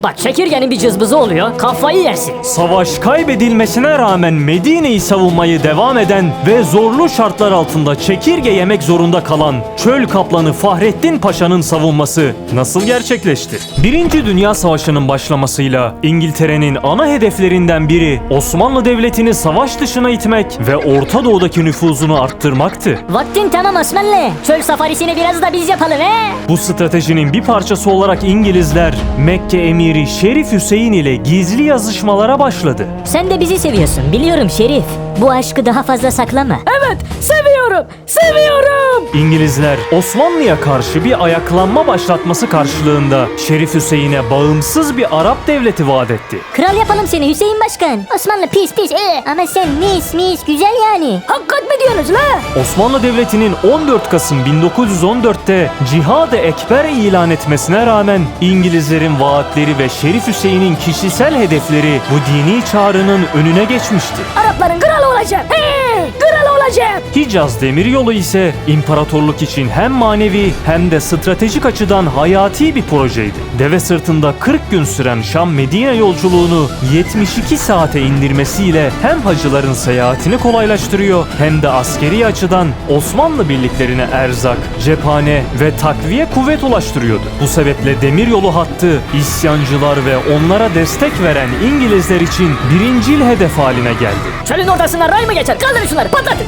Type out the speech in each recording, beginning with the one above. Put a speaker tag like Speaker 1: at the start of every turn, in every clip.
Speaker 1: Bak çekirgenin bir cızbızı oluyor, kafayı yersin.
Speaker 2: Savaş kaybedilmesine rağmen Medine'yi savunmayı devam eden ve zorlu şartlar altında çekirge yemek zorunda kalan çöl kaplanı Fahrettin Paşa'nın savunması nasıl gerçekleşti? Birinci Dünya Savaşı'nın başlamasıyla İngiltere'nin ana hedeflerinden biri Osmanlı Devleti'ni savaş dışına itmek ve Orta Doğu'daki nüfuzunu arttırmaktı.
Speaker 1: Vaktin tamam Osmanlı. Çöl safarisini biraz da biz yapalım he.
Speaker 2: Bu stratejinin bir parçası olarak İngilizler Mekke emiri Şerif Hüseyin ile gizli yazışmalara başladı.
Speaker 1: Sen de bizi seviyorsun biliyorum Şerif. Bu aşkı daha fazla saklama. Evet seviyorum.
Speaker 2: İngilizler Osmanlı'ya karşı bir ayaklanma başlatması karşılığında Şerif Hüseyin'e bağımsız bir Arap devleti vaat etti.
Speaker 1: Kral yapalım seni Hüseyin Başkan. Osmanlı pis ama sen mis güzel yani. Hakikat mi diyorsunuz la?
Speaker 2: Osmanlı Devleti'nin 14 Kasım 1914'te Cihad-ı Ekber ilan etmesine rağmen İngilizlerin vaatleri ve Şerif Hüseyin'in kişisel hedefleri bu dini çağrının önüne geçmişti.
Speaker 1: Arapların kralı olacağım. Kralı olacağım.
Speaker 2: Hicaz Demiryolu ise imparatorluk için hem manevi hem de stratejik açıdan hayati bir projeydi. Deve sırtında 40 gün süren Şam-Medine yolculuğunu 72 saate indirmesiyle hem hacıların seyahatini kolaylaştırıyor hem de askeri açıdan Osmanlı birliklerine erzak, cephane ve takviye kuvvet ulaştırıyordu. Bu sebeple demiryolu hattı isyancılar ve onlara destek veren İngilizler için birincil hedef haline geldi.
Speaker 1: Çölün ortasından ray mı geçer? Kaldırın şunları patlatın.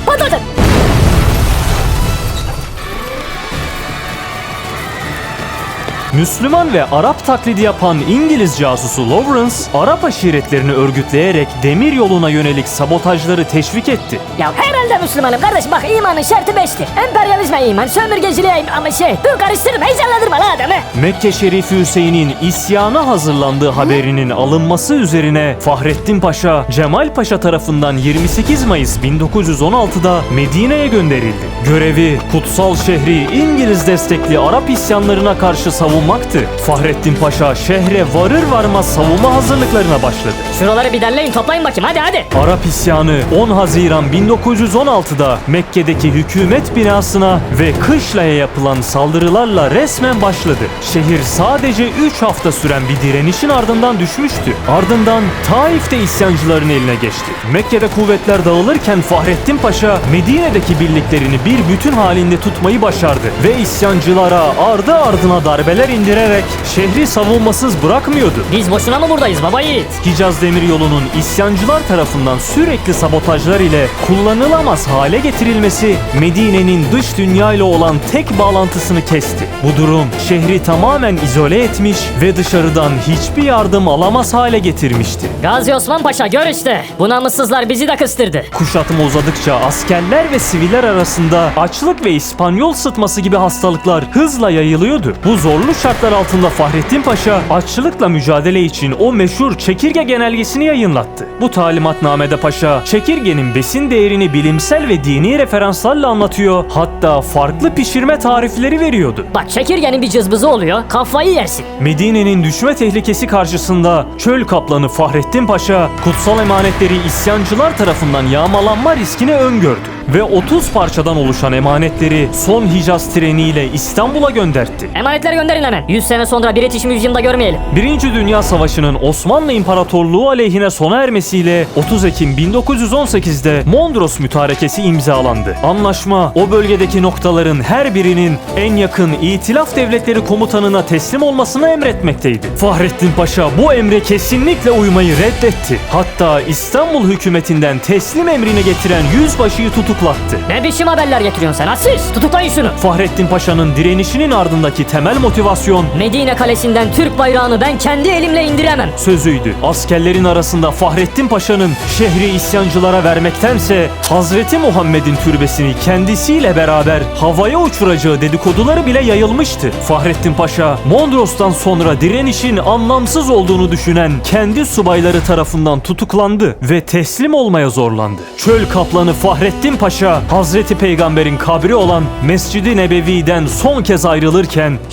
Speaker 2: Müslüman ve Arap taklidi yapan İngiliz casusu Lawrence, Arap aşiretlerini örgütleyerek demir yoluna yönelik sabotajları teşvik etti.
Speaker 1: Ya herhalde Müslümanım kardeş bak imanın şartı 5'tir. Emperyalizme iman, sömürgeciliğe ama dur karıştırma heyecanlandırma la adamı.
Speaker 2: Mekke Şerifi Hüseyin'in isyana hazırlandığı haberinin alınması üzerine Fahrettin Paşa, Cemal Paşa tarafından 28 Mayıs 1916'da Medine'ye gönderildi. Görevi kutsal şehri İngiliz destekli Arap isyanlarına karşı savunmaktı. Fahrettin Paşa şehre varır varmaz savunma hazırlıklarına başladı.
Speaker 1: Şuraları bir derleyin toplayın bakayım hadi.
Speaker 2: Arap isyanı 10 Haziran 1916'da Mekke'deki hükümet binasına ve Kışla'ya yapılan saldırılarla resmen başladı. Şehir sadece 3 hafta süren bir direnişin ardından düşmüştü. Ardından Taif'te isyancıların eline geçti. Mekke'de kuvvetler dağılırken Fahrettin Paşa Medine'deki birliklerini bir bütün halinde tutmayı başardı ve isyancılara ardı ardına darbeler indirerek şehri savunmasız bırakmıyordu.
Speaker 1: Biz boşuna mı buradayız baba yiğit?
Speaker 2: Hicaz Demiryolu'nun isyancılar tarafından sürekli sabotajlar ile kullanılamaz hale getirilmesi Medine'nin dış dünya ile olan tek bağlantısını kesti. Bu durum şehri tamamen izole etmiş ve dışarıdan hiçbir yardım alamaz hale getirmişti.
Speaker 1: Gazi Osman Paşa gör işte. Bu namussuzlar bizi de kıstırdı.
Speaker 2: Kuşatma uzadıkça askerler ve siviller arasında açlık ve İspanyol sıtması gibi hastalıklar hızla yayılıyordu. Bu zorlu şartlar altında Fahrettin Paşa açlıkla mücadele için o meşhur çekirge genelgesini yayınlattı. Bu talimatnamede Paşa çekirgenin besin değerini bilimsel ve dini referanslarla anlatıyor, hatta farklı pişirme tarifleri veriyordu.
Speaker 1: Bak çekirgenin bir cızbızı oluyor, kafayı yersin.
Speaker 2: Medine'nin düşme tehlikesi karşısında çöl kaplanı Fahrettin Paşa kutsal emanetleri isyancılar tarafından yağmalanma riskini öngördü ve 30 parçadan oluşan emanetleri son Hicaz treniyle İstanbul'a göndertti.
Speaker 1: Emanetleri gönderin hemen. 100 sene sonra British Museum'da görmeyelim.
Speaker 2: Birinci Dünya Savaşı'nın Osmanlı İmparatorluğu aleyhine sona ermesiyle 30 Ekim 1918'de Mondros Mütarekesi imzalandı. Anlaşma o bölgedeki noktaların her birinin en yakın İtilaf Devletleri komutanına teslim olmasını emretmekteydi. Fahrettin Paşa bu emre kesinlikle uymayı reddetti. Hatta İstanbul hükümetinden teslim emrini getiren yüzbaşıyı tutuklattı.
Speaker 1: Ne biçim haberler getiriyorsun sen Aziz? Tutuklayın şunu.
Speaker 2: Fahrettin Paşa'nın direnişinin ardındaki temel motivasyon
Speaker 1: Medine kalesinden Türk bayrağını ben kendi elimle indiremem
Speaker 2: sözüydü. Askerlerin arasında Fahrettin Paşa'nın şehri isyancılara vermektense Hazreti Muhammed'in türbesini kendisiyle beraber havaya uçuracağı dedikoduları bile yayılmıştı. Fahrettin Paşa, Mondros'tan sonra direnişin anlamsız olduğunu düşünen kendi subayları tarafından tutuklandı ve teslim olmaya zorlandı. Çöl kaplanı Fahrettin Paşa, Hazreti Peygamber'in kabri olan Mescid-i Nebevi'den son kez ayrılırken
Speaker 1: Şahit ol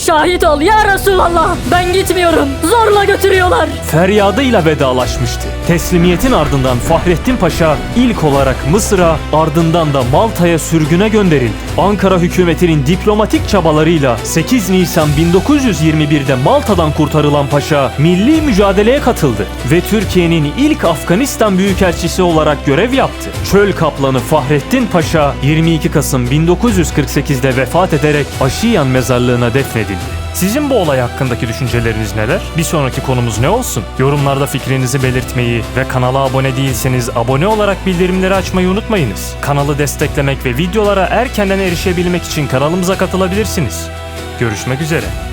Speaker 1: ol ya Resulallah. Ben gitmiyorum. Zorla götürüyorlar.
Speaker 2: Feryadıyla vedalaşmıştı. Teslimiyetin ardından Fahrettin Paşa ilk olarak Mısır'a, ardından da Malta'ya sürgüne gönderildi. Ankara hükümetinin diplomatik çabalarıyla 8 Nisan 1921'de Malta'dan kurtarılan Paşa milli mücadeleye katıldı ve Türkiye'nin ilk Afganistan büyükelçisi olarak görev yaptı. Çöl kaplanı Fahrettin Paşa 22 Kasım 1948'de vefat ederek Aşiyan mezarlığına defnedildi. Sizin bu olay hakkındaki düşünceleriniz neler? Bir sonraki konumuz ne olsun? Yorumlarda fikrinizi belirtmeyi ve kanala abone değilseniz abone olarak bildirimleri açmayı unutmayınız. Kanalı desteklemek ve videolara erkenden erişebilmek için kanalımıza katılabilirsiniz. Görüşmek üzere.